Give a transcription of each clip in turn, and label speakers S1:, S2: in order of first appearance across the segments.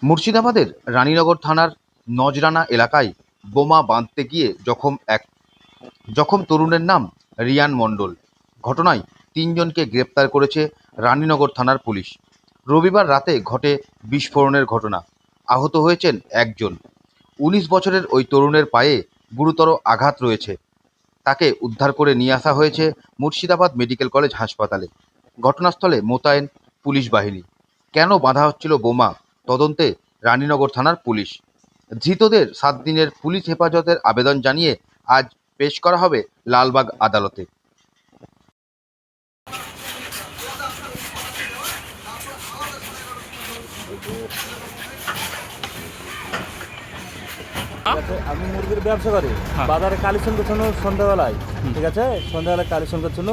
S1: মুর্শিদাবাদের রানীনগর থানার নজরানা এলাকায় বোমা বাঁধতে গিয়ে জখম তরুণের নাম রিয়ান মণ্ডল। ঘটনায় তিনজনকে গ্রেপ্তার করেছে রানীনগর থানার পুলিশ। রবিবার রাতে ঘটে বিস্ফোরণের ঘটনা। আহত হয়েছেন একজন। ১৯ বছরের ওই তরুণের পায়ে গুরুতর আঘাত রয়েছে। তাকে উদ্ধার করে নিয়ে আসা হয়েছে মুর্শিদাবাদ মেডিকেল কলেজ হাসপাতালে। ঘটনাস্থলে মোতায়েন পুলিশ বাহিনী। কেন বাঁধা হচ্ছিল বোমা, তদন্তে রানীনগর থানার পুলিশ। ধৃতদের 7 দিনের পুলিশ হেফাজতের আবেদন জানিয়ে আজ পেশ করা হবে লালবাগ আদালতে।
S2: আমি মুরগির ব্যবসা করি, বাজারে কালেকশন করছিল সন্ধ্যাবেলায়। ঠিক আছে, সন্ধ্যাবেলায় কালেকশন করছিল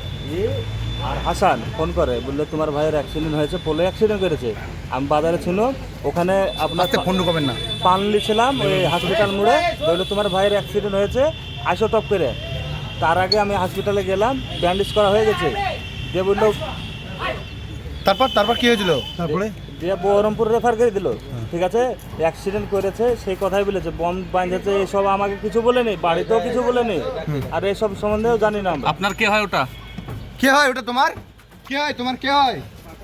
S2: আর হাসান ফোন করে, বললো তোমার ভাইয়ের অ্যাক্সিডেন্ট হয়েছে, পোলে অ্যাক্সিডেন্ট করেছে। আমি বাজারে ছিল, ওখানে আপনার
S3: ফোন করবেন না,
S2: পানলি ছিলাম ওই হসপিটাল মোড়ে। বললো তোমার ভাইয়ের অ্যাক্সিডেন্ট হয়েছে, আইসো টপ করে। তার আগে আমি হসপিটালে গেলাম, ব্যান্ডেজ করা হয়ে গেছে। দিয়ে বললো,
S3: তারপর কি হয়েছিল? তারপরে
S2: দিয়ে বহরমপুর রেফার করে দিল। ঠিক আছে, অ্যাক্সিডেন্ট করেছে সেই কথাই বলেছে, বম বাঁধেছে, এসব আমাকে কিছু বলেনি, বাড়িতেও কিছু বলেনি, আর এসব সম্বন্ধেও জানি না।
S4: আপনার কে হয় ওটা?
S3: কে হয় ওটা? তোমার কে হয়? তোমার কে হয়?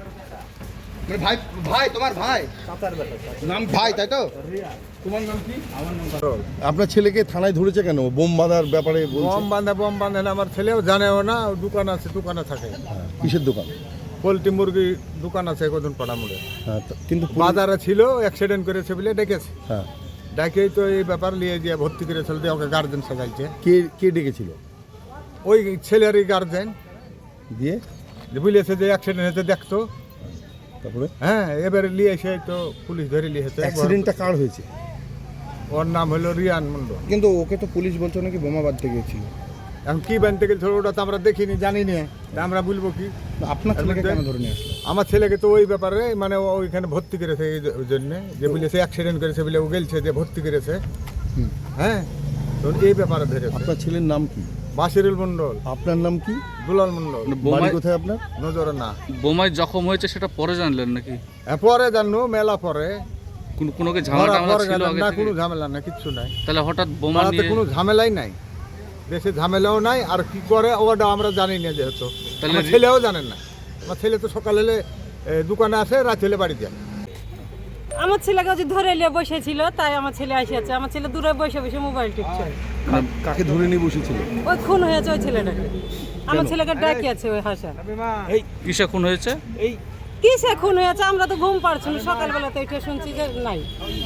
S3: ভাই, ভাই তোমার ভাই নাম ভাই, তাই তো? তোমার নাম কি?
S2: আমার নাম
S5: আপনার ছেলেকে থানায় ধরেছে কেন? বোম বাঁধার ব্যাপারে বলছে।
S6: বম বাঁধে না, আমার ছেলেও জানেও না। দোকান আছে, দোকানে থাকে।
S5: কিসের দোকান?
S6: পোলট্রি মুরগি দোকান আছে কজন পাড়া মোড়ে।
S5: হ্যাঁ, কিন্তু
S6: বাজারে ছিল, অ্যাক্সিডেন্ট করেছে বলে ডেকেছে।
S5: হ্যাঁ,
S6: ডাকেই তো এই ব্যাপার নিয়ে গিয়ে ভর্তি করেছিল, দিয়ে ওকে গার্জেন সাজাইছে।
S5: কে ডেকেছিল?
S6: ওই ছেলেরই গার্জেন
S5: দিয়ে
S6: বলেছে যে অ্যাক্সিডেন্ট হয়েছে দেখতো।
S5: তারপরে
S6: হ্যাঁ, এবারে নিয়ে এসে তো পুলিশ ধরে নিয়েছে।
S5: অ্যাক্সিডেন্টটা কার হয়েছে?
S6: ওর নাম হলো রিয়ান মন্ডল।
S3: কিন্তু ওকে তো পুলিশ বলছো নাকি বোমা বাঁধতে গিয়েছিল।
S6: এখন কি বানতে গেছিল ওটা তো আমরা দেখিনি, জানি না, তা আমরা বলবো কি?
S3: আপনার ছেলেকে কেন ধরে নিয়ে আসলো?
S6: আমার ছেলেকে তো ওই ব্যাপারে মানে ওইখানে ভর্তি করেছে এই জন্যে, যে বলেছে অ্যাক্সিডেন্ট করেছে বলে ও গেলছে, যে ভর্তি করেছে। হ্যাঁ, তো এই ব্যাপারে ধরেছে।
S5: আপনার ছেলের নাম কি?
S6: বাসিরুল মন্ডল।
S5: আপনার নাম কি?
S6: দুলাল মন্ডল।
S5: বাড়ি কোথায় আপনার?
S6: নজরে না।
S4: বোমায় জখম হয়েছে সেটা পরে জানলেন নাকি?
S6: হ্যাঁ, পরে জানো, মেলা পরে।
S4: কোনো কি ঝামেলা
S6: পরে
S4: ছিল
S6: জানলাম
S4: আগে
S6: না,
S4: থেকে?
S6: কোনো ঝামেলা না, কিচ্ছু নাই।
S4: তাহলে হঠাৎ বোমা
S6: পাড়াতে
S4: নিয়ে
S6: কোনো ঝামেলাই নাই, দেশে ঝামেলাও নাই। আর কি করে ওটা আমরা জানি না, যেহেতু
S4: তাহলে
S6: আমার ছেলেও জানেন না। আমার ছেলে তো সকাল হলে দোকানে আসে, রাত হলে বাড়ি যায়।
S7: আমার ছেলেকে যে ধরে নিয়ে বসেছিল, তাই আমার ছেলে আসিয়াছে। আমার ছেলে দূরে বসে বসে মোবাইল টিপছে।
S5: কাকে ধরে নিয়ে বসেছিল?
S7: ওই খুন হয়েছে ওই ছেলেটাকে। আমার ছেলেকে ডাকিয়েছে ওই হাসা।
S4: এই কিসে খুন হয়েছে?
S6: এই
S7: কিসে খুন হয়েছে আমরা তো ঘুম পাড়ছি না, সকালবেলাতে এটা শুনছি যে নাই।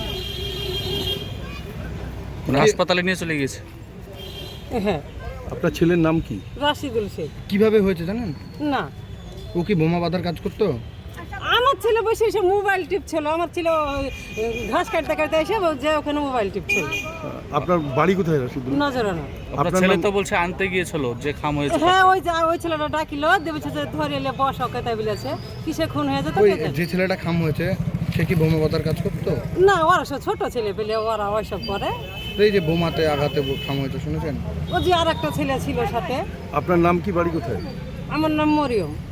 S4: হাসপাতালে নিয়ে চলে গেছে।
S7: হ্যাঁ,
S5: আপনার ছেলের নাম কি?
S7: রাশিদুল শেখ।
S3: কিভাবে হয়েছে জানেন?
S7: না,
S3: ও কি বোমা বাঁধার কাজ করতো?
S7: আমার ছেলে বসে এসে মোবাইল টিপছিল। আমার ছেলে ঘাস কাটতে কাটতে এসে যে ওখানে মোবাইল টিপছিল।
S5: আপনার বাড়ি কোথায় রাশিদুল?
S7: নজরানা।
S4: আপনার ছেলে তো বলছে আনতে গিয়েছিল যে খাম হয়েছে।
S7: হ্যাঁ, ওই ছেলেটা ডাকিল, দেবেছে যে ধরে এলে বস ওকে, তাই বলেছে। কিসে খুন হয়েছে তো
S3: ওই
S7: কে জানে?
S3: যে ছেলেটা খাম হয়েছে সে কি বোমা বাঁধার কাজ করতো?
S7: না, ওরা সব ছোট ছেলে পেলে, ওরা ওইসব করে।
S3: এই যে বোমাতে আঘাতে খাম হয়েছে শুনেছেন?
S7: ও যে আর একটা ছেলে ছিল সাথে।
S5: আপনার নাম কি? বাড়ি কোথায়?
S7: আমার নাম মরিয়ম।